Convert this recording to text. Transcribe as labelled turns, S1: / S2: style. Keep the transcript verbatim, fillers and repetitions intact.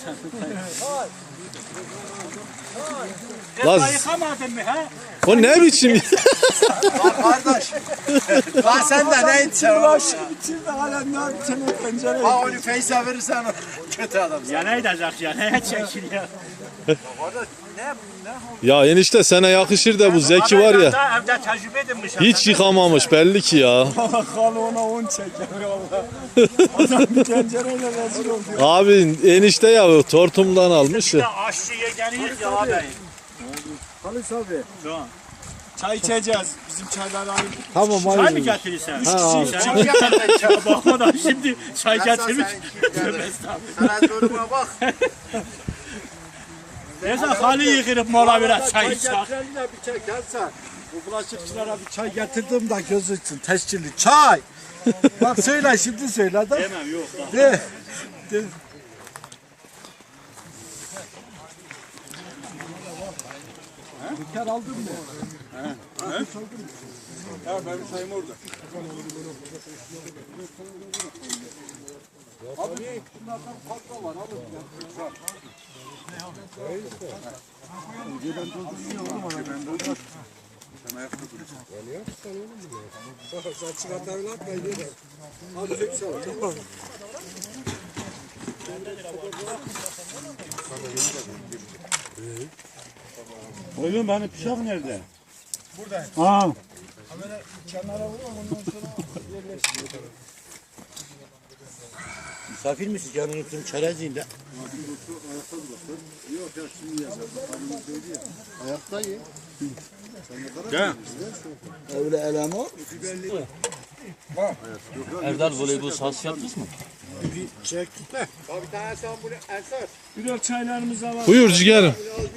S1: Lan
S2: yıkamadın mı ha?
S1: o ne biçim?
S3: Kardeş. Lan sen de ne içsen?
S2: Bulaşık bitirdi hala ne bitirdi pencere.
S3: Ha onu Feyz'e verirsen kötü adamsın.
S2: Ya ne edecek ya? Neye çekil ya?
S3: Kardeş ne ne?
S1: Ya enişte sana yakışır da bu Zeki var ya.
S2: Daha evde tecrübe edinmiş.
S1: Hiç yıkamamış belli ki ya.
S2: Halı ona on çeker valla. Adam bir tencereyle rezil oldu.
S1: Abi enişte ya o tortumdan almış ya.
S2: Aşçı yegeniyiz ya abi.
S3: Halis abi.
S2: Şu an. Çay içeceğiz. Bizim çaylar aynı.
S3: Tamam
S2: Çay mı getirirsen? Üç
S1: Ha,
S2: kişi. Çay getirirsen. Bakma da şimdi çay getirmiş. Tövbe estağfurullah.
S3: Sen duruma bak.
S2: Neyse halı yıkırıp mola biraz çay içecek.
S3: Bir çay gelsen. Bu bulaşıkçılara bir çay getirdim de gözüksün. Tescilli çay. Bak söyle şimdi söyle de.
S2: Demem yok da.
S3: De. De. Dükkan aldın mı? He. He? Ya benim çayım orada. Abi bunlardan fazla var alın. Ben dolduruyorum ama ben dolduruyorum. Sen ayakta duracaksın. Yani yapsan olur mu ya? Sen çıkartlarını atmayın diye. Hadi çek sana. Tamam.
S2: Oğlum benim bıçak nerede?
S3: Burada.
S2: Aa.
S3: Kamera kenara vur ondan sonra yerleştir.
S4: Misafir misin? Canın üstünün çerezliğinde.
S3: Yok ya şimdi yazar. Ayakta ye.
S2: Gel.
S4: Öyle elama.
S5: Erdal voleybol sahası yaptınız mı?
S3: Bir çek. Bir tane sen bunu Ersat.
S2: Biraz çaylarımıza var.
S1: Buyur ciğerim.